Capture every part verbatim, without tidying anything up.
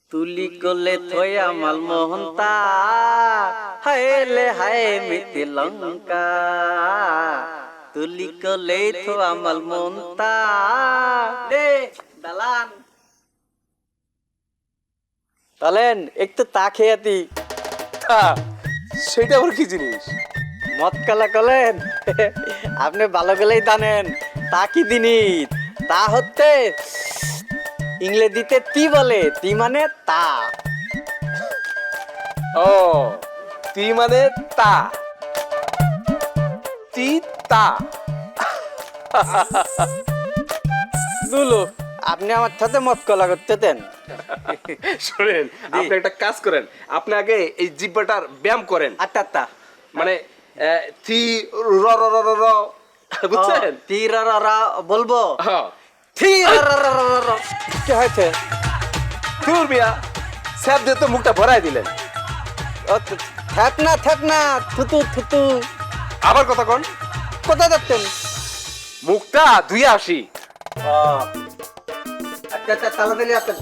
তুলি কোলে থয়া মাল মোহন্তা হায়লে হায় মিতি লঙ্কা তুলি কোলে থয়া মাল মোহন্তা দে দালান তালেন একটু তা খেয়াতি সেটা আবার কি জিনিস? মদ কালা কলেন আপনি ভালো গেলেই জানেন তা কি জিনিস তা হচ্ছে ইংরেজিতে তি বলে তি মানে তা ও তি মানে তা তি তা দুলো আপনি আমার সাথে মদ কলা করতে দেন শুনেন, আপনি একটা কাজ করেন, আপনি আগে এই জিব্বাটার ব্যায়াম করেন। আচ্ছা আচ্ছা মানে আহ, থি র র র র র, বুঝছেন? তি র র র বলবো হ্যাঁ। থি র র র র র। কি হয়েছে ধুর মিয়া, স্যাপ দিয়ে তো মুখটা ভরাই দিলেন। ও, থাক না থাক না থুতু থুতু আবার কথা কন, কোথায় যাচ্ছেন মুখটা ধুয়ে আসি। আচ্ছা আচ্ছা তাড়াতাড়ি আসেন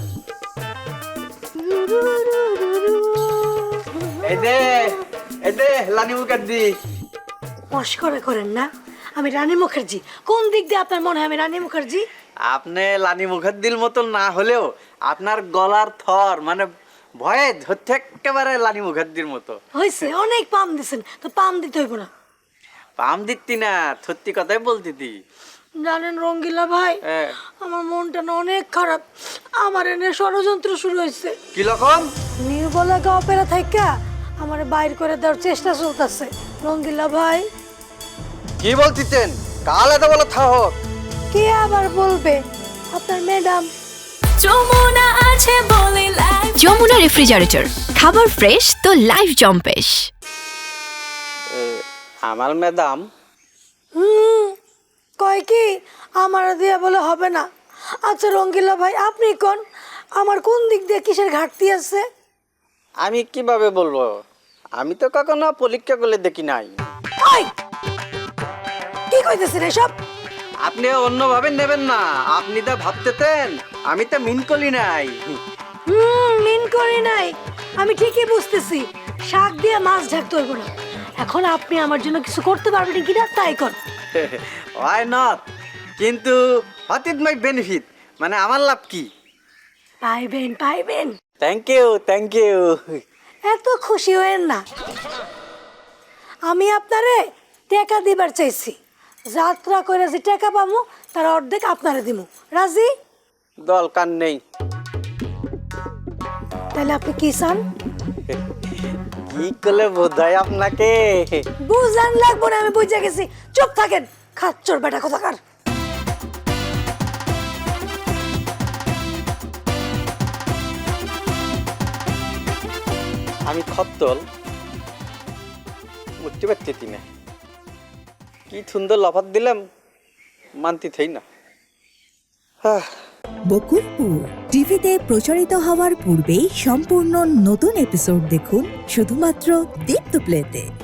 এই দে এই দে লানি মুখার্জি মস্করা করেন না, আমি রানী মুখার্জি। কোন দিক দিয়ে আপনার মনে হয় আমি রানী মুখার্জি? আপনি লানি মুখার্জির মতো না হলেও আপনার গলার থর মানে ভয়ে হচ্ছে একেবারে লানি মুখার্জির মতো। হয়েছে, অনেক পাম দিছেন, তো পাম দিতে হইব না। পাম দিতি না, সত্যি কথাই বলতিতি। জানেন রঙ্গিলা ভাই, হ্যাঁ। আমার মনটা না অনেক খারাপ। আমার এনে ষড়যন্ত্র শুরু হয়েছে। কি রকম? নিউ বলাকা অপেরা থেকে আমার বাইর করে দেওয়ার চেষ্টা চলতেছে। রঙ্গিলা ভাই, কি বলতিছেন? কাল এত বলো থাহক। কে আবার বলবে? আপনার ম্যাডাম। যমুনা আছে বলে লাইফ যমুনা রেফ্রিজারেটর, খাবার ফ্রেশ তো লাইফ জম্পেশ। আমার ম্যাডাম হুম, কয় কি আমার দিয়ে বলে হবে না। আচ্ছা রঙ্গিলা ভাই, আপনি কোন আমার কোন দিক দিয়ে কিসের ঘাটতি আছে? আমি কিভাবে বলবো? আমি তো কখনো পরীক্ষা করলে দেখি নাই। ওই কি কইতেছেন এসব? আপনি অন্যভাবে নেবেন না, আপনি তো ভাবতেছেন আমি তো মিন করি নাই। হুম, মিন করি নাই, আমি ঠিকই বুঝতেছি। শাক দিয়ে মাছ ঢাকতে হইব না। এখন আপনি আমার জন্য কিছু করতে পারবেন কিনা তাই কর। ওয়াই নট, কিন্তু হোয়াট ইজ মাই বেনিফিট, মানে আমার লাভ কি? পাইবেন পাইবেন। Thank you thank you. এত খুশি হয়েন না, আমি আপনারে টাকা দিবার চাইছি। যাত্রা করে যে টাকা পামু তার অর্ধেক আপনারে দিমু। রাজি? দরকার নেই। তাহলে আপনি কি চান? কি করলে বোঝাই আপনাকে? বুঝান লাগবো না, আমি বুঝে গেছি। চুপ থাকেন খাচ্চর বেটা কোথাকার। আমি খত্তল বুঝতে পারছি না, কি সুন্দর লফাত দিলাম, মানতি থাই না। বকুলপুর টিভিতে প্রচারিত হওয়ার পূর্বেই সম্পূর্ণ নতুন এপিসোড দেখুন শুধুমাত্র দীপ্ত প্লেতে।